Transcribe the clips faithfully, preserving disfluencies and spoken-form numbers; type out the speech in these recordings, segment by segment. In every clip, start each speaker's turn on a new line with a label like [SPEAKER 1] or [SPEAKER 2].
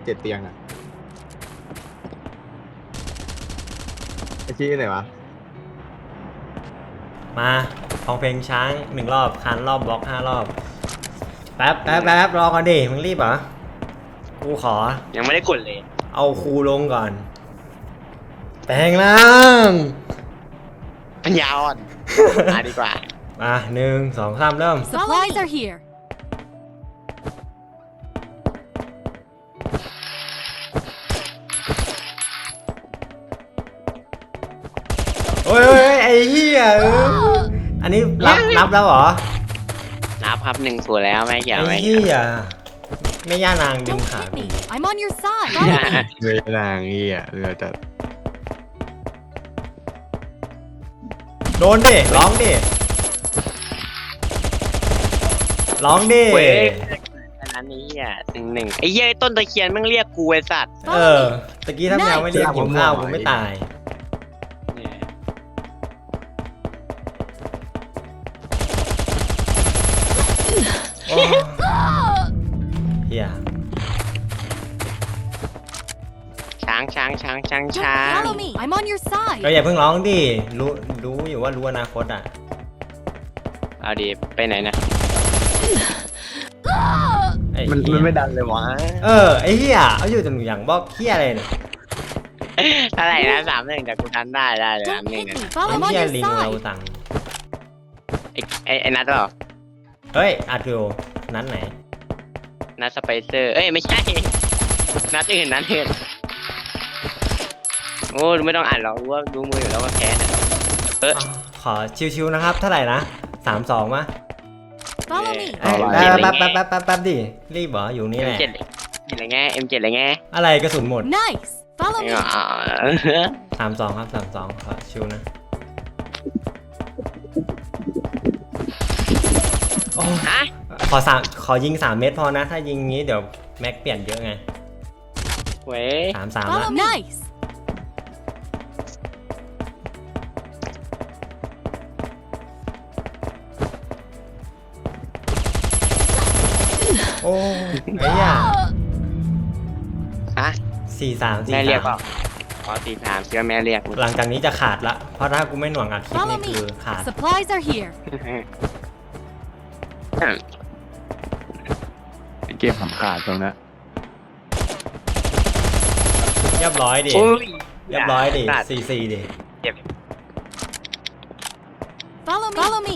[SPEAKER 1] เจ็ดเตียงอ่ะไอชี้ไหนวะ
[SPEAKER 2] มาฟังเพลงช้างหนึ่งรอบคันรอบบล็อกห้ารอบแป๊บแป๊บแป๊บรอก่อนดิมึงรีบเหรอกูขอ
[SPEAKER 3] ยังไม่ได้กดเลย
[SPEAKER 2] เอาครูลงก่อนแปลงร่าง
[SPEAKER 3] ปัญญาอ่อนมาดีกว่า
[SPEAKER 2] มาหนึ่งสองสามเริ่ม
[SPEAKER 4] Supplies are here
[SPEAKER 2] โอ้ยไอ้เหี้ยอันนี้รับนับแล้วเหรอ
[SPEAKER 3] นับครับหนึ่งส่วนแล้วไม่เกี่ยว
[SPEAKER 2] ไอ้
[SPEAKER 3] ไม่
[SPEAKER 2] เหี้ยไม่ย่านางดึง
[SPEAKER 4] Don't
[SPEAKER 2] ขา
[SPEAKER 4] hit me I'm on your side
[SPEAKER 1] เรือนางเงี้ยเรือจัด
[SPEAKER 2] โดนดิร้องดิร้องดิ
[SPEAKER 3] เว้ยอันนั้นนี้อ่ะหนึ่งหนึ่งไอ้เย้ยต้นตะเคียนมึงเรียกกูไอ้สัตว์
[SPEAKER 2] เออตะกี้ถ้าแมวไม่เรียกหิวข้าวกูไม่ตายเฮีย
[SPEAKER 3] ช้างช้างช้างช้างช้าง
[SPEAKER 4] Follow me I'm on your side
[SPEAKER 2] ก็อย่าเพิ่งร้องดิรู้รู้อยู่ว่ารู้อนาคตอ่ะ
[SPEAKER 3] เอาดีไปไหนนะ
[SPEAKER 1] มันมันไม่ดังเลยวะ
[SPEAKER 2] เออไอ้เหี้ยเอาอยู่แต่หนูอย่างบอกเหี้ยอะไรเนี่ย
[SPEAKER 3] อะไรนะสามหนึ่งแต่กูทันได้ได้เลยสามหนึ่ง
[SPEAKER 2] ไอ้เหี้ยลิงเราสั่ง
[SPEAKER 3] ไอ้ไอ้ไอ้นัทหรอ
[SPEAKER 2] เฮ้ยอาร์ติโอนั้นไหน
[SPEAKER 3] นัทสไปเซอร์เอ้ยไม่ใช่นัทอื่นนัทอื่นโอ้ไม่ต้องอ่านหรอกรู้ว่าดูมืออยู่แล้วว่าแพ้เออ
[SPEAKER 2] ขอชิวๆนะครับเท่าไหร่นะสามสองมะ
[SPEAKER 4] Follow me
[SPEAKER 2] แป๊บแป๊บแป๊บแป๊บแป๊บดิรีบเหรออยู่นี่แหละ
[SPEAKER 3] เอ็มเจ็ดอะไรเงี้ยเอ็มเจ็ดอะไรเงี้ย
[SPEAKER 2] อะไรกระสุนหมด
[SPEAKER 4] Nice Follow me
[SPEAKER 2] สามสองครับสามสองขอชิวนะ
[SPEAKER 3] ฮะ
[SPEAKER 2] ขอสามขอยิงสามเม็ดพอนะถ้ายิงงี้เดี๋ยวแม็กเปลี่ยนเยอะไง
[SPEAKER 3] เว้ย
[SPEAKER 2] สามสามละ
[SPEAKER 4] Nice
[SPEAKER 2] โอ้ไอ้ย่า
[SPEAKER 3] ฮะ
[SPEAKER 2] สี่สามสี่
[SPEAKER 3] แม่เรียกเป
[SPEAKER 2] สา
[SPEAKER 3] ล่าม อ๋อสี่สามเชื่อแม่เรียก
[SPEAKER 2] หลังจากนี้จะขาดละเพราะถ้ากูไม่หน่วงอัดคลิป
[SPEAKER 4] Follow
[SPEAKER 2] นี่
[SPEAKER 4] me
[SPEAKER 2] คือขาด
[SPEAKER 4] Supplies are here
[SPEAKER 1] เกมขำขาดตรงนั้น
[SPEAKER 2] เรียบร้อยดิเรียบร้อยดิสี่สี่ดิ
[SPEAKER 4] Follow me Follow me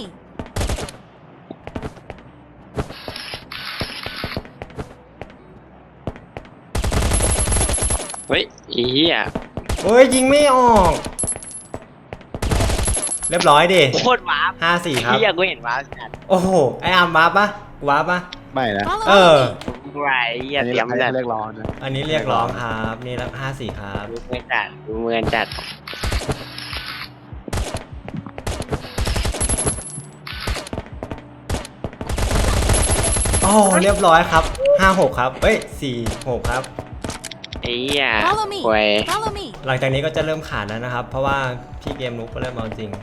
[SPEAKER 3] เฮ้ยอีเหี้ย
[SPEAKER 2] โอ้ยยิงไม่ออกเรียบร้อยดิ
[SPEAKER 3] โคตรว้า
[SPEAKER 2] ห้าสี่ครับ
[SPEAKER 3] เหี้ยกูเห็นว้าจัด
[SPEAKER 2] โอ้โหไออาร์มว้าปะว้าปะ
[SPEAKER 1] ไม่นะ
[SPEAKER 2] เออ
[SPEAKER 3] ไรเหี้ยเตรียมจัด
[SPEAKER 1] เรียกร้องนะ
[SPEAKER 2] อันนี้เรียกร้องครับนี่แล้วห้าสี่ครับ
[SPEAKER 3] ดูเมือนจัดดูเมือนจัด
[SPEAKER 2] โอ้เรียบร้อยครับห้าหกครับเฮ้ยสี่หกครับ
[SPEAKER 3] ไอ้เหี้ย
[SPEAKER 4] Follow me
[SPEAKER 3] โว้ย
[SPEAKER 4] Follow me
[SPEAKER 2] หลังจากนี้ก็จะเริ่มขาดแล้วนะครับเพราะว่าพี่เกมนุ๊กก็เริ่มเอาจริง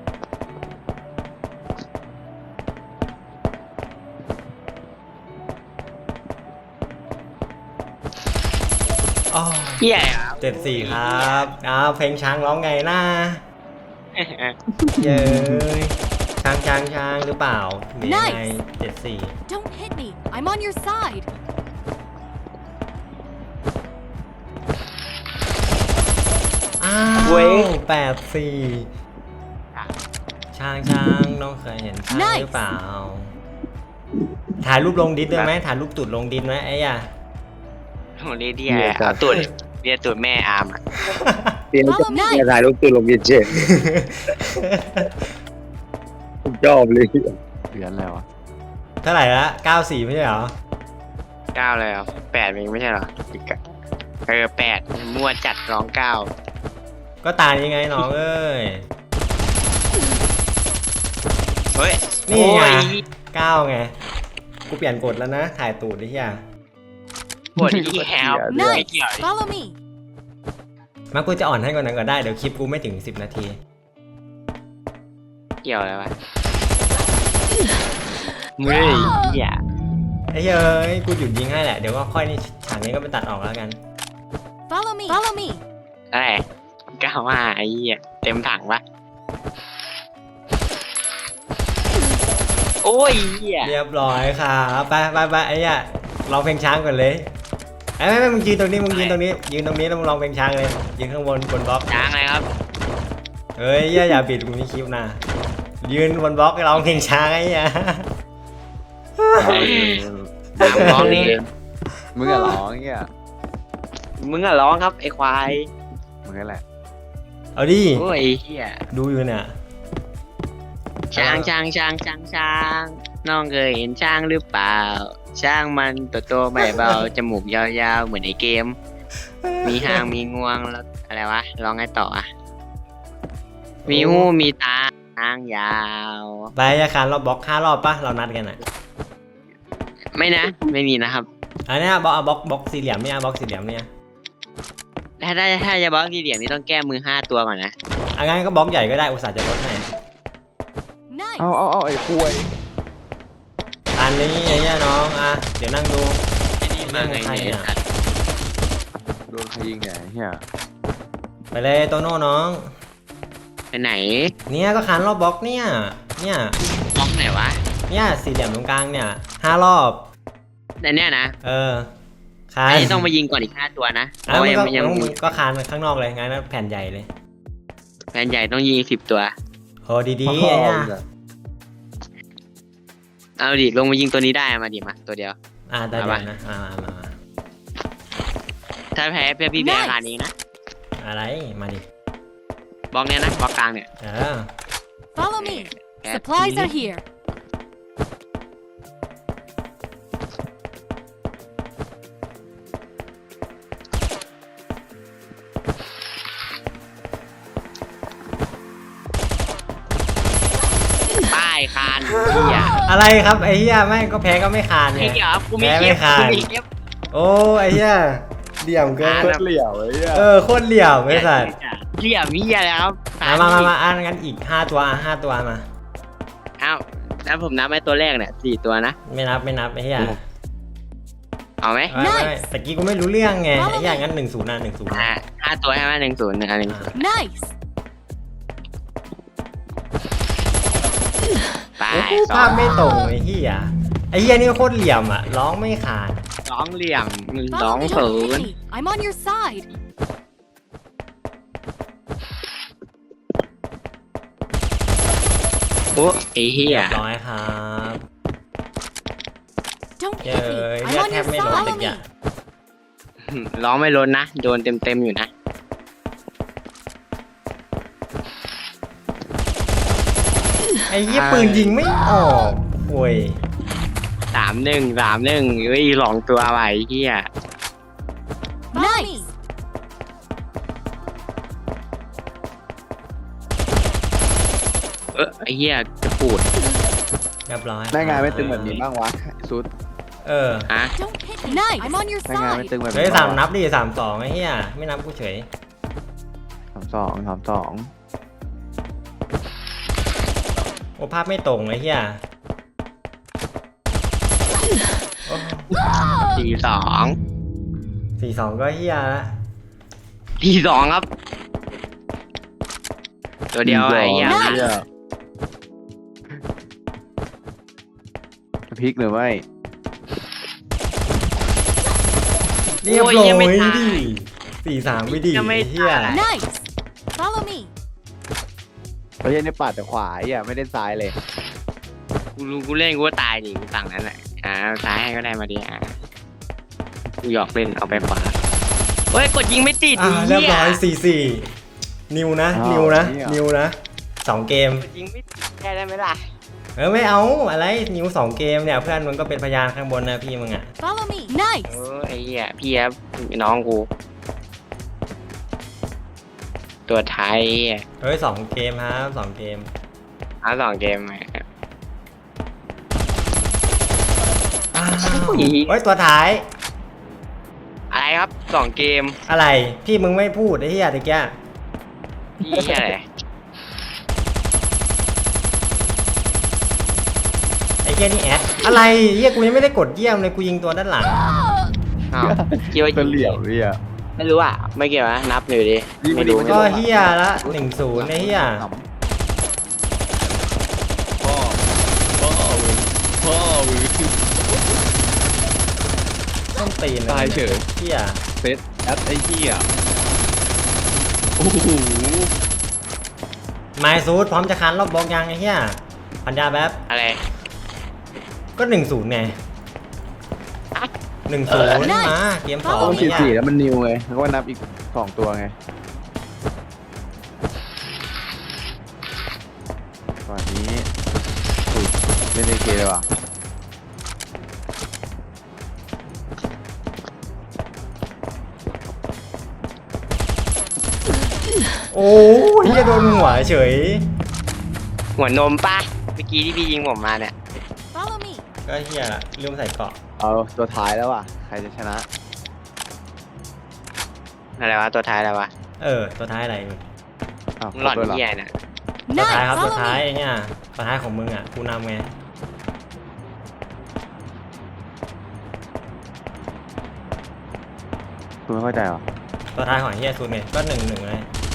[SPEAKER 3] เหี้ย
[SPEAKER 2] เจ็ดสี่ครับอ้าวเพลงช้างร้องไงนะเย้ยช้างช้างช้างหรือเปล่าหรือยังไงเจ็ดสี่
[SPEAKER 4] Don't hit me I'm on your side
[SPEAKER 2] อ้าวแปดสี่ช้างช้างน้องเคยเห็นช้างหรือเปล่าถ่ายรูปลงดิสด้วยไหมถ่ายรูปตูดลงดิสไหมไอ้ย่า
[SPEAKER 3] โหเดียเอาตูดเรียตูดแม่อาร์ม
[SPEAKER 1] เตียนจะถ่ายรูปตัวลงเย็นเจ็ดชอบเลยเหรียญแล้วะ
[SPEAKER 2] เท่าไหร่ละเก้าสี่ไม่ใช่เหรอ
[SPEAKER 3] เก้าเลยเหรอแปดเองไม่ใช่เหรอเออแปดมั่วจัดร้องเก้า
[SPEAKER 2] ก็ตายยังไงน้องเอ้ย
[SPEAKER 3] เฮ้ย
[SPEAKER 2] นี่ไงเก้าไงกูเปลี่ยนกฎแล้วนะถ่ายตูดดิเฮีย
[SPEAKER 3] กดที่แฮปไม่เกี่ยว
[SPEAKER 4] Follow me
[SPEAKER 2] มากูจะอ่อนให้ก่อนนั้นก็ได้เดี๋ยวคลิปกูไม่ถึงสิบนาที
[SPEAKER 3] เกี่ยวอะไรวะเฮ้ยอย่า
[SPEAKER 2] อ้เฮ้ยกูหยุดยิงให้แหละเดี๋ยวก็ค่อยนี่ฉากนี้ก็ไปตัดออกแล้วกัน
[SPEAKER 4] Follow me. Follow me.
[SPEAKER 3] อะไรเก้าห้าไอ้เหี้ยเต็มถังปะโอ้ยเหี้ย
[SPEAKER 2] เรียบร้อยครับไปไปไปไอ้เนี่ยร้องเพลงช้างก่อนเลยไอ้ไม่ไม่มึงยืนตรงนี้มึงยืนตรงนี้ยืนตรงนี้แล้วมึงร้องเพลงช้างเลยยืนข้างบนบนบล็อก
[SPEAKER 3] ช้างอะไรครับ
[SPEAKER 2] เฮ้ยอย่าอย่าปิดมึงนี่คลิปนะยืนบนบล็อกร้องเพลงช้างไอ้เนี่ย
[SPEAKER 3] ร้องนี่
[SPEAKER 1] มึงอะร้องเงี้ย
[SPEAKER 3] มึงอะร้องครับไอ้ควาย
[SPEAKER 1] มึงนั่นแหละ
[SPEAKER 2] เอาดิ
[SPEAKER 3] โอ้ยไอ้เหี้ย
[SPEAKER 2] ดูอยู่เนี่ย
[SPEAKER 3] ช้างช้างช้างช้างช้างน้องเคยเห็นช้างหรือเปล่า ช้างมันตัวโตไม่เบา จมูกยาวๆเหมือนในเกม มีหางมีงวงแล้วอะไรวะร้องไงต่ออะมีหูมีตาหางยาว
[SPEAKER 2] ไปอาคารเราบล็อกห้ารอบปะเรานัดกันอ่ะ
[SPEAKER 3] ไม่นะ ไม่มีนะครับ
[SPEAKER 2] อันเนี้ยบล็อกเอาบล็อกบล็อกสี่เหลี่ยมเนี่ยบล็อกสี่เหลี่ยมเนี่ย
[SPEAKER 3] ถ้าถ้าถ้าจะบล็อกที่เหลี่ยมนี่ต้องแก้มือห้าตัวก่อนนะ
[SPEAKER 2] อันงั้นก็บล็อกใหญ่ก็ได้อุตส่าห์จะลดให้
[SPEAKER 4] Nice.
[SPEAKER 1] เอาเอาเอาไอ้คุย
[SPEAKER 2] อันนี้ไอ้เนี่ยน้องอ่ะเดี๋ยวนั่งดู
[SPEAKER 3] ไอ้นี่มาไงเนี่ย
[SPEAKER 1] โดนใครยิงเนี่ยเฮีย
[SPEAKER 2] ไปเลยโตโน่น้อง
[SPEAKER 3] ไปไหน
[SPEAKER 2] เนี่ยก็คานรอบบล็อกเนี่ยเนี่ย
[SPEAKER 3] บล็อกไหนวะ
[SPEAKER 2] เนี่ยสี่เหลี่ยมตรงกลางเนี่ยห้ารอบ
[SPEAKER 3] แต่เนี่ยนะ
[SPEAKER 2] เออคาน
[SPEAKER 3] อันนี้ต้องมายิงก่อนอีกห้าตัวนะเพ
[SPEAKER 2] อ่ะ
[SPEAKER 3] ราะ
[SPEAKER 2] มึ
[SPEAKER 3] ว่าง ยัง
[SPEAKER 2] ก็
[SPEAKER 3] ยัง
[SPEAKER 2] มึงก็คานข้างนอกเลยงั้นแผ่นใหญ่เลย
[SPEAKER 3] แฟนใหญ่ต้องยิงสิบตัว
[SPEAKER 2] โหดีๆไอ้เนี่ย
[SPEAKER 3] เอาดิลงมายิงตัวนี้ได้มาดิมาตัวเดียว
[SPEAKER 2] อ่าได้
[SPEAKER 3] เอา
[SPEAKER 2] เดี๋ย
[SPEAKER 3] ปะ
[SPEAKER 2] วนะมามามามา
[SPEAKER 3] ถ้าแพ้เพื่อพี่แพ้ขนาดนี้นะ
[SPEAKER 2] อะไรมาดิ
[SPEAKER 3] บล็อกเนี้ยนะบล็อกกลางเนี่ย
[SPEAKER 2] เออ
[SPEAKER 4] Follow me.
[SPEAKER 3] แพ้
[SPEAKER 4] Supplies are here.
[SPEAKER 3] ป้ายคานเหี้ย
[SPEAKER 2] อะไรครับไอ้เหี้ยแม่งก็แพ้ก็ไม่คานไง
[SPEAKER 3] ไอ้เหี้ยกูมี
[SPEAKER 2] แพ้
[SPEAKER 3] ค
[SPEAKER 2] ไม่
[SPEAKER 3] ลิป
[SPEAKER 2] ขาด
[SPEAKER 3] กูมีคลิป
[SPEAKER 2] โอ้ไอ้เหี้ยเดี่ยมเกิน
[SPEAKER 3] อ่า
[SPEAKER 1] โคตรเหลี่ยวไอ้เฮีย
[SPEAKER 2] เออโคตรเหลี่ยมไอ้สัส
[SPEAKER 3] เหี้ยมีอะไรครับ
[SPEAKER 2] มามามามาอ่านกันอีกห้าตัวอ่ะห้าตัวมา
[SPEAKER 3] เอ้าแล้วผมนับไอ้ตัวแรกเนี่ยสี่ตัวนะ
[SPEAKER 2] ไม่นับไม่นับไอ้เหี้ย
[SPEAKER 3] เอาไหม
[SPEAKER 2] ไม่ไม่
[SPEAKER 4] Nice
[SPEAKER 2] ตะกี้กูไม่รู้เรื่องไงไอ้เหี้ยงั้นหนึ่งศูนย์นะหนึ่งศูนย์
[SPEAKER 3] อ่าห้าตัวใช่ไหมหนึ่งศูนย์หนึ่งอันหนึ่งศูนย์
[SPEAKER 4] Nice.
[SPEAKER 3] ไป
[SPEAKER 2] โอ้โห
[SPEAKER 3] สอ
[SPEAKER 2] ภาพ
[SPEAKER 3] ง
[SPEAKER 2] ไม่ตรงไอ้เหี้ยไอ้เหี้ยนี่โคตรเหลี่ยมอ่ะร้องไม่ขาด
[SPEAKER 3] สองเหลี่ยมหนึ่งสอ
[SPEAKER 4] Follow
[SPEAKER 3] ง
[SPEAKER 4] me.
[SPEAKER 3] ศู
[SPEAKER 4] Don't
[SPEAKER 3] น
[SPEAKER 4] hit
[SPEAKER 3] ย์
[SPEAKER 4] me. I'm on your side.
[SPEAKER 3] โอ้ไอ้เหี้
[SPEAKER 2] เรี
[SPEAKER 3] ย
[SPEAKER 2] ยบร้อยครับ
[SPEAKER 4] Don't
[SPEAKER 2] เย้
[SPEAKER 4] hit me.
[SPEAKER 2] ย
[SPEAKER 4] I'm
[SPEAKER 2] เหี้ย
[SPEAKER 4] on
[SPEAKER 2] แท
[SPEAKER 4] your
[SPEAKER 2] บไม่โดน
[SPEAKER 4] side.
[SPEAKER 2] ตะ
[SPEAKER 4] Follow
[SPEAKER 2] กี้
[SPEAKER 4] me.
[SPEAKER 3] ร้องไม่ล้นนะ โดนเต็มเต็มๆอยู่นะ
[SPEAKER 2] ไอ้เหี้ยปืนยิงไม่ออกโว้ย
[SPEAKER 3] สามหนึ่งสามหนึ่งเฮ้ยหลองตัวไปเหี้ย
[SPEAKER 4] Nice.
[SPEAKER 3] เออไอ้เหี้ยจะปูด
[SPEAKER 2] เรียบร้อย
[SPEAKER 1] ได้งานไม่ตึงแบบนี้บ้างวะสุด
[SPEAKER 2] เออ
[SPEAKER 3] ฮะ
[SPEAKER 4] Don't hit me. Nice. I'm on your
[SPEAKER 1] ได้งานไม่
[SPEAKER 4] side.
[SPEAKER 1] ตึงแบบ
[SPEAKER 2] เฮ้ย
[SPEAKER 1] นี้
[SPEAKER 2] สาม
[SPEAKER 1] บ้งวะ
[SPEAKER 2] นับดิสามสองไอ้เหี้ยไม่นับกูเฉย
[SPEAKER 1] สามสองสามสอง
[SPEAKER 2] โอ้ภาพไม่ตรงไอ้เหี้ยโอ้
[SPEAKER 3] สี่สอง
[SPEAKER 2] สี่สองก็เหี้ยละ
[SPEAKER 3] สี่สองครับ ตัวเดียวไอ้เหี้ย
[SPEAKER 1] ไอ้เหี้ยพลิกหรือไม่
[SPEAKER 2] เรียบร้อยดิสี่สามไปดิไอ้เหี้ย
[SPEAKER 4] Nice. Follow me.
[SPEAKER 1] ประเทศนี้ปัดแต่ขวาไอ้เหี้ยไม่ได้ซ้ายเลย
[SPEAKER 3] กูรู้กูเล่นกูก็ตายดิกูฝั่งนั้นแหละอ่าซ้ายให้ก็ได้มาดิอ่ะกูหยอกเล่นเอาไปขวาเฮ้ยกดยิงไม่ติด
[SPEAKER 2] อ่า
[SPEAKER 3] ไอ้
[SPEAKER 2] เรียบ
[SPEAKER 3] เหี้ย
[SPEAKER 2] ร้อยสี่สี่นิวนะ
[SPEAKER 1] อ้าว
[SPEAKER 2] นิวนะ
[SPEAKER 1] เหี้ย
[SPEAKER 2] นิวนะสองเกม
[SPEAKER 3] กดยิงไม่ติดแค่ได้ไหมล่ะ
[SPEAKER 2] เออไม่เอาอะไรนิวสองเกมเนี่ยเพื่อนมึงก็เป็นพยานข้างบนนะพี่มึงอ่ะ
[SPEAKER 4] Follow me.
[SPEAKER 3] เอ
[SPEAKER 4] Nice.
[SPEAKER 3] อไอ้เหี้ยพี่ครับน้องกูตัวไทย
[SPEAKER 2] เฮ้ยสองเกมครับสองเกม
[SPEAKER 3] เอาสองเกมมา
[SPEAKER 2] อ้าวเฮ้ยตัวท้าย
[SPEAKER 3] อะไรครับสองเกม
[SPEAKER 2] อะไรพี่มึงไม่พูดไอ้เหี้ยตะกี้
[SPEAKER 3] พี่เหี้ยอะไร
[SPEAKER 2] ไอ้เหี้ยนี่แอดอะไรเหี้ยกูยังไม่ได้กดเยี่ยมเลยกูยิงตัวด้านหลัง
[SPEAKER 3] อ้าวคิดว่า
[SPEAKER 1] ก็เหลี่ยมเหี้ย
[SPEAKER 3] ไม่รู้อ่ะไม่เกี่ยวนะนับเลยดิ
[SPEAKER 1] ยิงไม่
[SPEAKER 3] ไม่
[SPEAKER 1] ดี
[SPEAKER 3] รู้
[SPEAKER 1] มัน
[SPEAKER 2] ก็เหี้ยละหนึ่งศูนย์ไอ้เหี้ย
[SPEAKER 1] พ่อพ่อมึงพ่อมึง
[SPEAKER 2] ต้องตีน
[SPEAKER 1] ตายเฉย
[SPEAKER 2] เหี้ย
[SPEAKER 1] เซตแอดไอ้เหี้ยโอ้โห
[SPEAKER 2] ไมซูดพร้อมจะคันรอบบล็อกยังไอ้เหี้ยพันยาแป๊บ
[SPEAKER 3] อะไร
[SPEAKER 2] ก็หนึ่งศูนย์ไงหนึ่งศูนย์มาเกมสอง
[SPEAKER 1] ต้อง
[SPEAKER 2] ไอ้
[SPEAKER 1] สี่
[SPEAKER 2] เหี้
[SPEAKER 1] สี่
[SPEAKER 2] ย
[SPEAKER 1] แล้วมันนิวไงแล้วก็นับอีกสองตัวไงตอนนี้อุ้ยเล่นในเกมเลยว่ะ
[SPEAKER 2] โอ้ยเหี้ยโดนหัวเฉย
[SPEAKER 3] หัวนมปะเมื่อกี้ที่พี่ยิงผมมาเนี่ย
[SPEAKER 4] Follow me.
[SPEAKER 2] ก็เหี้ยละลืมใส่เกราะ
[SPEAKER 1] เอาตัวท้ายแล้วว่ะใครจะชนะ
[SPEAKER 3] อะไรวะตัวท้ายอะไรวะ
[SPEAKER 2] เออตัวท้ายอะไร
[SPEAKER 1] อ้าว
[SPEAKER 3] มึงหล่อน
[SPEAKER 1] ครบด้วยเหรอ
[SPEAKER 3] เหี้ยน่ะ
[SPEAKER 2] ตัวท้าย
[SPEAKER 4] Nice.
[SPEAKER 2] ครับตัว
[SPEAKER 4] Follow
[SPEAKER 2] ท้าย
[SPEAKER 4] me.
[SPEAKER 2] ไอ้เนี่ยตัวท้ายของมึงอ่ะกูนำไง
[SPEAKER 1] คุณไม่เข้าใจเหรอ
[SPEAKER 2] ตัวท้ายของเฮียซูนไงก็หนึ่งหนึ่งเลย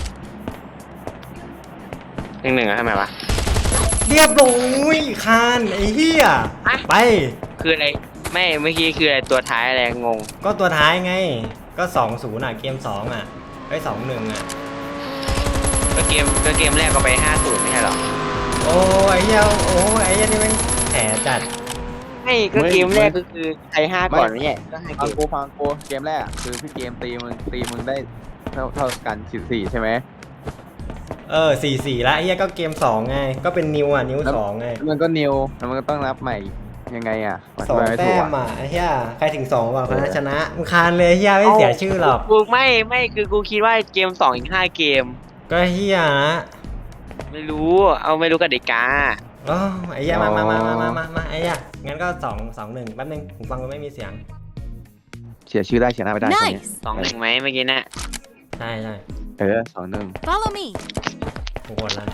[SPEAKER 3] หนึ่งหนึ่งอะทำไมวะ
[SPEAKER 2] เรียบร้อยคานไอ้เฮีย
[SPEAKER 3] อะ
[SPEAKER 2] ไป
[SPEAKER 3] คืออะไรไม่เมื่อกี้คืออะไรตัวท้ายอะไรงง
[SPEAKER 2] ก็ตัวท้ายไง ก็สองศูนย์อ่ะเกมสองอ่ะไอ้สองหนึ่งอ่ะ
[SPEAKER 3] ก็เกมก็เกมแรกก็ไปห้าศูนย์ไม่ใช่หรอ
[SPEAKER 2] โอ้ไอ้เฮียโอ้ไอ้เฮียนี่มันแผลจัด
[SPEAKER 3] ไม่ก็เกมแรกก็คือไทยห้าก่อนไม่ใช่ก็ให้เก
[SPEAKER 1] ฟัง
[SPEAKER 3] ม
[SPEAKER 1] กูฟังกูเกมแรกอะคือพี่เกมตีมึงตีมึงได้เท่าเท่ากันสี่สี่ใช่ไหม
[SPEAKER 2] เออสี่สี่ละไอ้เฮียก็เกมสองไงก็เป็นนิวอ่ะนิวสองไง
[SPEAKER 1] แล้วมันก็นิวแล้วมันก็ต้องนับใหม่ยังไงอ่ะ
[SPEAKER 2] สอง
[SPEAKER 1] ธิบายไม่
[SPEAKER 2] แต้
[SPEAKER 1] ถูก
[SPEAKER 2] ม
[SPEAKER 1] อะ
[SPEAKER 2] อ่ะไอ้เฮียใครถึงสองบอกคนนั้นชนะมึงคานเลยเฮียไม่เสียชื่อหรอก
[SPEAKER 3] กูไม่ไม่คือกูคิดว่าเกมสองอีกห้าเกม
[SPEAKER 2] ก็เฮียนะ
[SPEAKER 3] ไม่รู้เอาไม่รู้กติกา
[SPEAKER 2] อ๋อไอ้เหี้ยมามามามามามามาไอ้เหี้ยงั้นก็สองสองหนึ่งแป๊บนึงผมฟังมันไม่มีเสียง
[SPEAKER 1] เสียชื่อได้เสียหน้าไม่ได้ตอนเนี้ย
[SPEAKER 4] Nice.
[SPEAKER 3] สองหนึ่งไหมเมื่อกี้น่ะ
[SPEAKER 2] ใช่ใช่
[SPEAKER 1] เออสองหนึ่ง
[SPEAKER 4] Follow me.
[SPEAKER 2] ผมกดแล้ว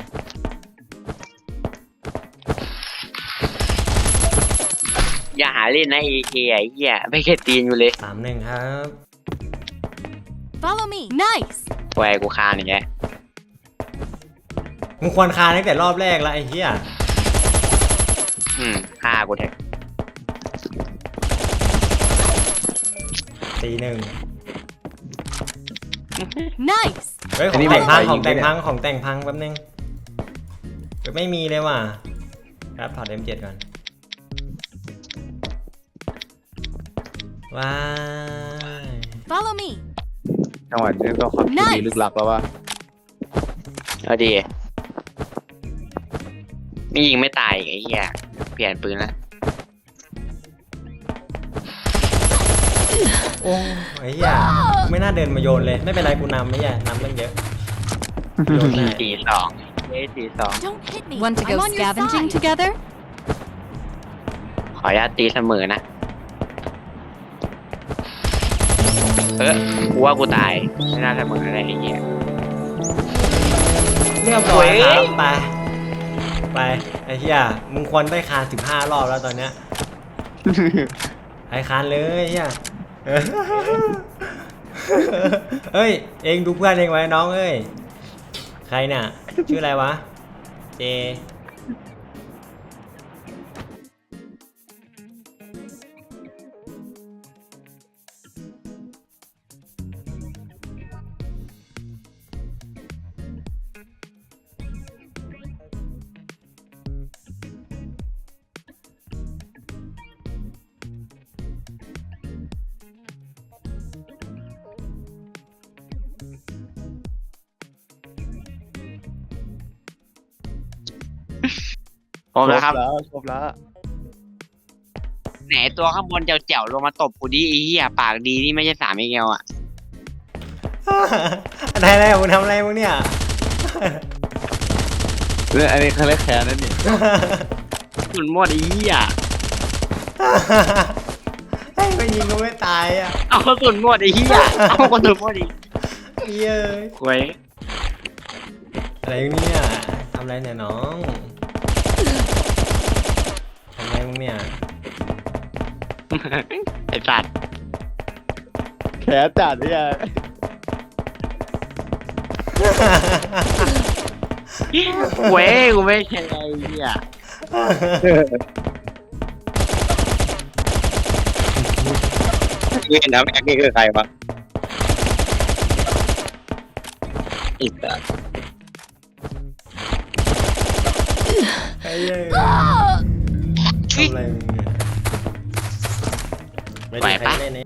[SPEAKER 3] อย่าหาเล่นนะเอเคไอ้เหี้ยไม่เคยตีนอยู่เลย
[SPEAKER 2] สามหนึ่งครับ
[SPEAKER 4] Follow me. Nice.
[SPEAKER 3] แหวกูคานอย่างเงี้ย
[SPEAKER 2] มึงควรคานตั้งแต่รอบแรกแล้วไอ้เหี้ย
[SPEAKER 3] อืมฆ่ากูเถอะ
[SPEAKER 2] สี่หนึ่ง
[SPEAKER 4] Nice.
[SPEAKER 2] เฮ้ยของแต่งพังของแต่งพังของแต่งพังแป๊บนึงเฮ้ยไม่มีเลยว่ะครับถอด เอ็ม เจ็ด ก่อนว้าย
[SPEAKER 4] Follow me.
[SPEAKER 1] จังหวะนี้ต้องความคิดดีลึกลับแล้วว่า
[SPEAKER 3] เอาดีไม่ยิงไม่ตายอีกไอ้เหี้ยเปลี่ยนปืนละ
[SPEAKER 2] โอ้ไอ้เหี้ยไม่น่าเดินมาโยนเลยไม่เป็นไรกูนำไม่ใช่นำตั้งเยอะโยนได้
[SPEAKER 3] สี่สองเฮ้ยสี่สอง
[SPEAKER 4] Don't hit me.
[SPEAKER 5] Want to
[SPEAKER 4] I'm
[SPEAKER 5] go
[SPEAKER 4] on your
[SPEAKER 5] scavenging
[SPEAKER 4] side.
[SPEAKER 5] together?
[SPEAKER 3] ขออนุญาตตีเสมอนะเออกูว่ากูตายไม่น่าเสมออะไรไอ้เหี้ย
[SPEAKER 2] เรียบร้อยค
[SPEAKER 3] เฮ้
[SPEAKER 2] รับ
[SPEAKER 3] ย
[SPEAKER 2] ไปไปไอ้เหี้ยมึงควรได้คานสิบห้ารอบแล้วตอนเนี้ย ไอ้คานเลยเหี้ย เฮ้ยเองดูเพื่อนเองไว้น้องเอ้ยใครเนี่ยชื่ออะไรวะเจ
[SPEAKER 3] พร้อมแล้วครับ
[SPEAKER 1] แล้วครบแล้ว
[SPEAKER 3] ไหนตัวข้างบนเจ๋วๆลงมาตบกูดิไอ้เหี้ยปากดีนี่ไม่ใช่สามเอเกลอ่ะ
[SPEAKER 2] อะไรอะไรมึงทำอะไรมึงเนี่ย
[SPEAKER 1] เรื่องอันนี้เขาเรียกแค้นนั่นนี่
[SPEAKER 3] สุนหมดไอ้เหี้ย
[SPEAKER 2] ไอ้ไปยิงก็ไม่ตายอ่ะ
[SPEAKER 3] เอากระสุนหมดไอ้เหี้ยเอากระสุนหมดอีก
[SPEAKER 2] เย้ย
[SPEAKER 3] ควย
[SPEAKER 2] อะไรเนี่ยทำอะไรเนี่ยน้องทำอะไรมึงเนี่ย
[SPEAKER 3] ไอ้สัตว์
[SPEAKER 1] แขนจัดเนี่ย
[SPEAKER 3] เว้ยกูไม่ใช่ไอ้เหี้ย
[SPEAKER 5] นี่น้ำแม็กนี่คือใครวะอีกอ่ะ
[SPEAKER 2] ไอ้เหี้ย
[SPEAKER 4] Ah!
[SPEAKER 2] ทำอะไรมึงเนี่ยไม่ได้ใครเล่นนี่